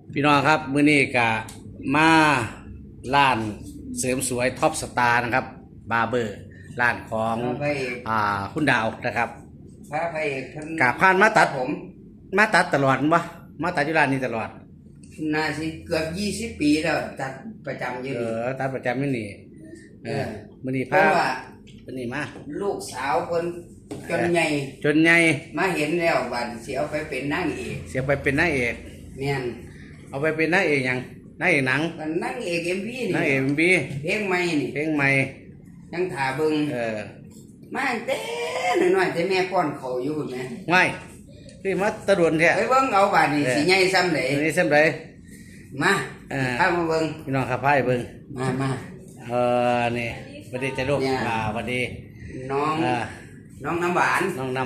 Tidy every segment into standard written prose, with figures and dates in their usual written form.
พี่น้องครับมื้อนี้ก็มาร้านเสริมสวยท็อปสตาร์นะครับบาร์เบอร์ร้านของคุณดาวนะครับพระพระเอกท่านกะผ่านมาตัดผมมาตัดตลอดบ่มาตัดอยู่ร้านนี้ตลอดน่าสิเกือบ20 ปีแล้วตัดประจำอยู่นี่ตัดประจำอยู่นี่มื้อนี้เพราะว่ามื้อนี้มาลูกสาวคนจนใหญ่มาเห็นแล้วบัดสิเอาไปเป็นนางเอกเสียไปเป็นนางเอกแม่นเอาไปเป็นนางเอกหยังนางเอกหนังนางเอก MV นี่นางเอก MV เพลงใหม่นี่เพลงใหม่ยังถ่าเบิ่งมาแต่น้อยๆแต่แม่ป้อนข้าวอยู่พุ่นแม่ไม่คือมาตะดวนแท้ไปเบิ่งเอาบัดนี้สิใหญ่ซ้ำใดนี่ซ้ำใดมาพามาเบิ่งพี่น้องครับพาไปเบิ่งมานี่สวัสดีจ้าลูกสวัสดีน้องน้ำหวาน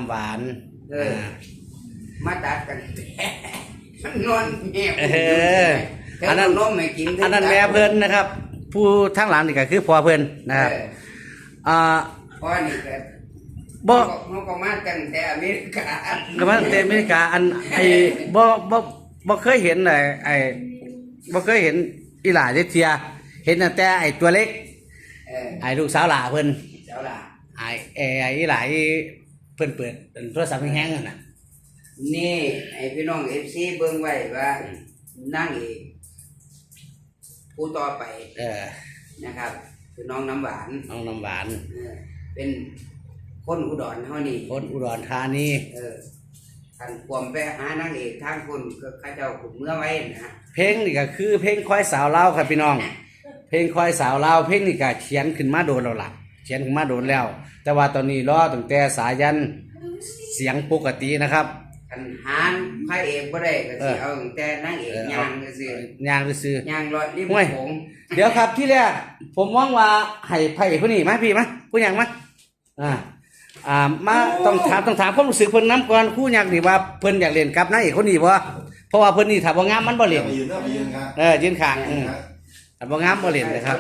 มาตัดกันมันนอนแม่อันนั้นน้องไม่กินอันนั้นแม่เพิ่นนะครับผู้ทั้งหลังนี่ก็คือพ่อเพิ่นนะครับพ่อนี่ก็บ่เขาก็มาตั้งแต่อเมริกาก็มาตั้งแต่อเมริกาอันบ่เคยเห็นบ่เคยเห็นอีหล่าเทียเห็นแต่ไอ้ตัวเล็กลูกสาวหล่าเพิ่นสาวหล่าอีหล่าเพิ่นเปิดโทรศัพท์แห้งๆนั่นน่ะนี่ไอ้พี่น้อง FC เบิ่งไว้ว่านั่งเอกผู้ต่อไปนะครับคือน้องน้ำหวานเป็นคนอุดรเฮานี่คนอุดรธานีท่านความไปหานางเอกทางคนก็เขาเจ้าขุดเมื่อไว้นะเพลงนี่ก็คือเพลงควายสาวลาวครับพี่น้องเพลงควายสาวลาวเพลงนี่ก็เขียนขึ้นมาโดนแล้วล่ะเขียนขึ้นมาโดนแล้วแต่ว่าตอนนี้รอตั้งแต่สายันเสียงปกตินะครับกันหานพระเอกบ่ได้ก็สิเอาตั้งแต่นางเอกย่างซื่อย่างซื่อย่างรอดริมโขงเดี๋ยวครับที่แรกผมมองว่าให้พระเอกผู้นี้มาพี่มาผู้หยังมามาต้องถามความรู้สึกเพิ่นนำก่อนคู่หยังนี่ว่าเพิ่นอยากเล่นกับนางเอกคนนี้บ่เพราะว่าเพิ่นนี่ถ้าบ่งามมันบ่เล่นยืนข้างถ้าบ่งามบ่เล่นนะครับ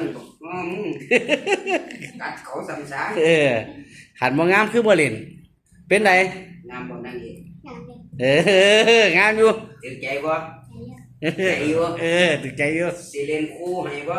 กัดเขาซ้ำซาหันบ่งามคือบ่เล่นเป็นไดงามบ่นางเอกงามอยู่ตึกใจบ่ใจอยู่ตึกใจอยู่สิเล่นคู่ให้บ่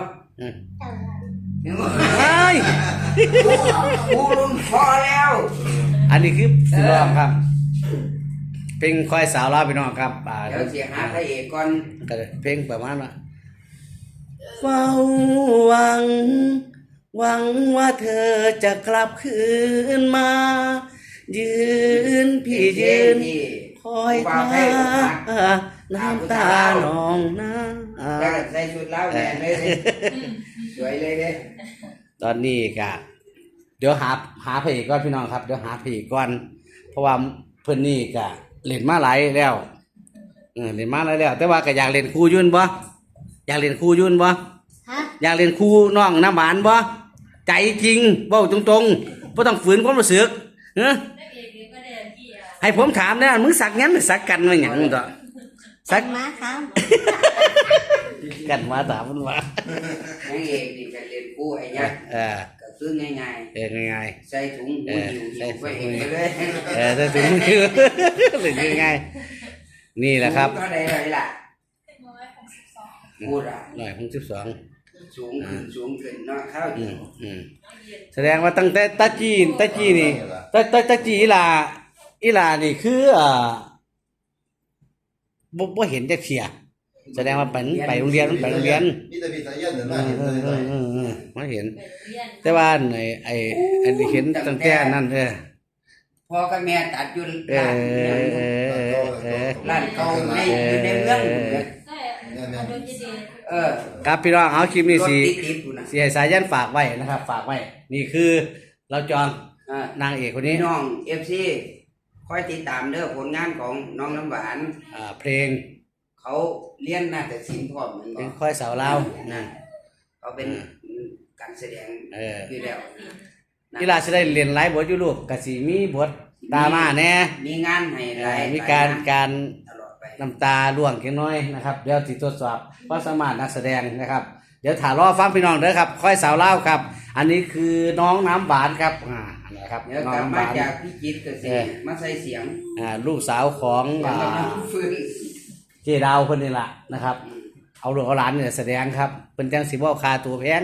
คู่รุ่นพอแล้วอันนี้คือสิร้องครับเพลงควายสาวลาวพี่น้องครับเดี๋ยวสิหาพระเอกก่อนเพลงประมาณว่าเฝ้าหวังว่าเธอจะกลับคืนมายืนคอยท่าน้ำตาหนองน้าใส่ชุดแล้วแม่เลยสวยเลยตอนนี้ก็เดี๋ยวหาเพลงก่อนพี่น้องครับเดี๋ยวหาเพลงก่อนเพราะว่าเพิ่นนี่ก็เล่นมาหลายแล้วเล่นมาหลายแล้วแต่ว่าก็อยากเล่นคู่ยุ่นบ่อยากเล่นคู่ยุ่นบ่อยากเล่นคู่น้องน้ำหวานบ่ใจจริงเว้าตรงๆบ่ต้องฝืนความรู้สึกให้ผมถามเนี่ยมึงสักงั้นหรือสักกันมาอย่างต่อสักมาครับกันมาถามมันว่านั่งเองนี่กันเรียนกู้ไอ้ยักษ์ก็คือง่ายใส่ถุงมืออยู่ไปเองเลยใส่ถุงมือหรือง่ายนี่แหละครับก็ได้เลยล่ะพูดอ่ะ 162 สูงขึ้นเนาะข้าวแสดงว่าตั้งแต่ตาจีนี่ตาจีอีหลานี่คือบ่เห็นจะเขียแสดงว่าไปโรงเรียนนี่แต่พี่สายันเดี๋ยวน่าเห็นเลยไม่เห็นแต่ว่าอันนี้เห็นตั้งแต่นั้นพ่อกับแม่ตัดอยู่ร้านเก่าในอยู่ในเมืองครับพี่น้องเอาคลิปนี้สิให้สายันฝากไว้นะครับฝากไว้นี่คือเราจองนางเอกคนนี้น้อง FC คอยติดตามเด้อผลงานของน้องน้ำหวานเพลงเขาเรียนนาฏศิลป์พร้อมเพลงควายสาวลาวเขาเป็นการแสดงอยู่แล้วกีฬาจะได้เรียนหลายบทอยู่ลูกกะสิมีบทตามาแน่มีงานให้หลายมีการน้ำตาล่วงเล็กน้อยนะครับเดี๋ยวสิทดสอบความสามารถนักแสดงนะครับเดี๋ยวถ่ายรอฟังพี่น้องเด้อครับควายสาวลาวครับอันนี้คือน้องน้ำหวานครับนะครับน้องน้ำหวานจากพี่จิตก็สิมาใส่เสียงลูกสาวของเจดาวคนนี้ล่ะนะครับ เอาลูกเอาหลานเนี่ยแสดงครับเป็นจังสิบ่ค่าตัวแพง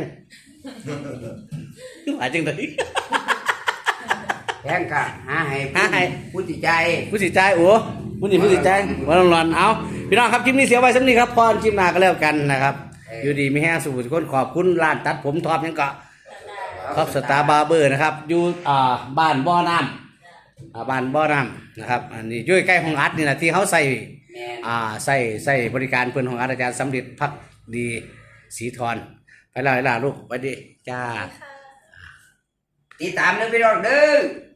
หมายจังได๋แพงก็หาให้ผู้ติดใจผู้สิใจายโอ้ผู้นี่ผู้สิใจายบ่ต้องรอนเอาพี่น้องครับคลิปนี้เสียไว้สำนี้ครับพรคลิปหน้าก็แล้วกันนะครับอยู่ดีมีแห้งสู่ทุกคนขอบคุณร้านตัดผมท็อปยังก็ท็อปสตาร์บาร์เบอร์นะครับอยู่บ้านบ่อน้ำบ้านบ่อน้ำนะครับอันนี้อยู่ใกล้ห้องอัดนี่นะที่เขาใส่แม่นใส่บริการเพื่อนของอาจารย์สำเร็จพักดีสีทรไปแล้วลูกไปดิจ้าติดตามเด้อพี่น้องเด้อ